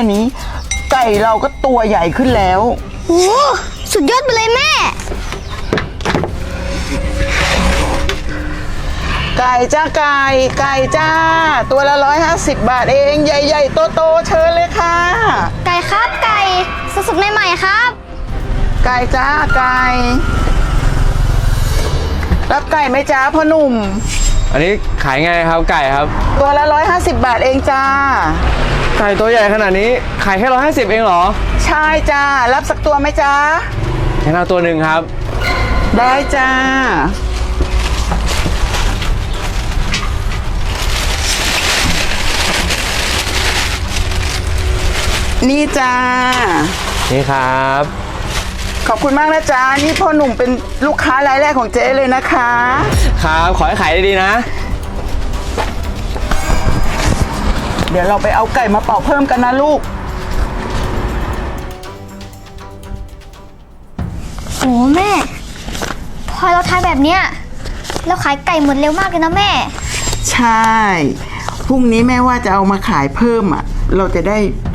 นี้ ไก่เราก็ตัวใหญ่ขึ้นแล้วโอ้สุดยอดไปเลยแม่ไก่จ้าไก่จ้า ตัวละ150 บาทเองใหญ่ๆโตๆเชิญเลยค่ะไก่ครับไก่สดๆใหม่ๆครับไก่จ้าไก่รับไก่ไหมจ้าพ่อหนุ่มอันนี้ขายไงครับไก่ครับตัวละ150 บาทเองจ้าไก่ตัวใหญ่ขนาดนี้ขายแค่150เองเหรอใช่จ้ารับสักตัวไหมจ้าแค่เอาตัวหนึ่งครับได้จ้านี่จ้านี่ครับขอบคุณมากนะจ๊ะนี่พ่อหนุ่มเป็นลูกค้ารายแรกของเจ๊เลยนะคะครับขอให้ขายดีๆนะเดี๋ยวเราไปเอาไก่มาเป่าเพิ่มกันนะลูกโอ้แม่ พอเราทายแบบเนี้ยเราขายไก่หมดเร็วมากเลยนะแม่ใช่พรุ่งนี้แม่ว่าจะเอามาขายเพิ่มอ่ะ เราจะได้